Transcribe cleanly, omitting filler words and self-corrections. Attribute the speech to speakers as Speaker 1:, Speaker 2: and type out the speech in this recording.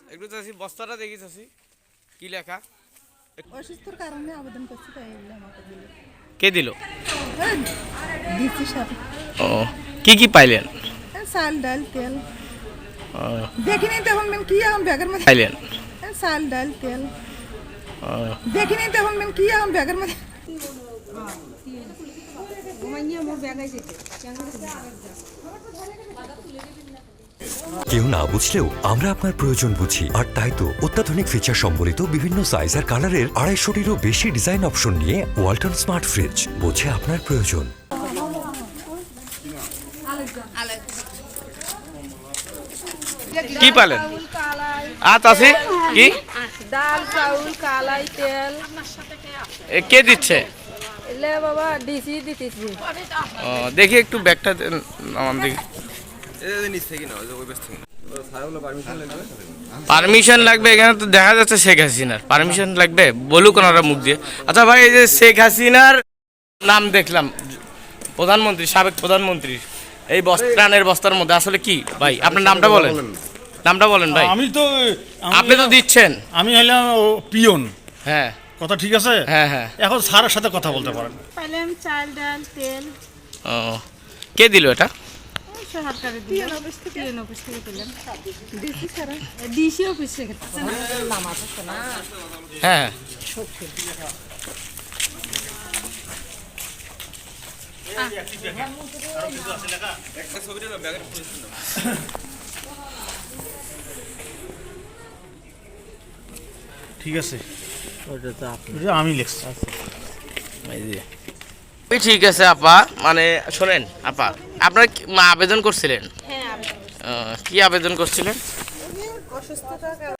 Speaker 1: একটু চাষি বস্তাটা দেখি চাষি কি লেখা
Speaker 2: অসুস্থর কারণে আবেদন করছি তাই এগুলো আমাকে দিল
Speaker 1: কে দিল
Speaker 2: ডিসি সাহেব
Speaker 1: ও কি পাইলেন
Speaker 2: চাল ডাল তেল
Speaker 1: ও
Speaker 2: দেখিনি তখন মেন কি এখন ব্যাগের মধ্যে
Speaker 1: পাইলেন
Speaker 2: চাল ডাল তেল
Speaker 1: ও
Speaker 2: দেখিনি তখন মেন কি এখন ব্যাগের মধ্যে
Speaker 3: কেউ না বুঝলেও আমরা আপনার প্রয়োজন বুঝি, আর তাই তো অত্যাধুনিক ফিচার সম্বলিত বিভিন্ন সাইজ আর কালারের 250-টিরও বেশি ডিজাইন অপশন নিয়ে ওয়ালটন স্মার্ট ফ্রিজ বোঝে আপনার প্রয়োজন।
Speaker 1: কি পাইলেন চাষি কি
Speaker 4: ডাল চাউল কালাই তেল
Speaker 1: কে দিচ্ছে
Speaker 4: এলে বাবা ডিসি দিতেছি
Speaker 1: ও দেখি একটু ব্যাগটা আমার দেখি পারমিশন লাগবে এখানে তো দেখা যাচ্ছে শেখ হাসিনার পারমিশন লাগবে বলুক ওনারা মুখ দিয়ে আচ্ছা ভাই এই যে শেখ হাসিনার নাম দেখলাম প্রধানমন্ত্রী সাবেক প্রধানমন্ত্রী এই ত্রাণের বস্তার মধ্যে আসলে কি ভাই আপনার নামটা বলেন ভাই
Speaker 5: আমি তো
Speaker 1: আপনি তো দিচ্ছেন
Speaker 5: আমি হলাম পিয়ন।
Speaker 1: হ্যাঁ
Speaker 5: কথা ঠিক আছে।
Speaker 1: হ্যাঁ
Speaker 5: এখন স্যারের সাথে কথা বলতে পারেন।
Speaker 4: পাইলাম চাল ডাল তেল
Speaker 1: ও কে দিল এটা
Speaker 4: সরকারি পিএন অফিস থেকে পেলাম ডিসি ছাড়া ডিসি অফিস থেকে নাম আছে না
Speaker 1: হ্যাঁ
Speaker 5: ঠিক আছে, আমি লিখছি।
Speaker 1: ঠিক আছে আপা মানে শোনেন আপা আপনার আবেদন করছিলেন
Speaker 4: হ্যাঁ
Speaker 1: কি আবেদন করছিলেন
Speaker 4: অসুস্থতার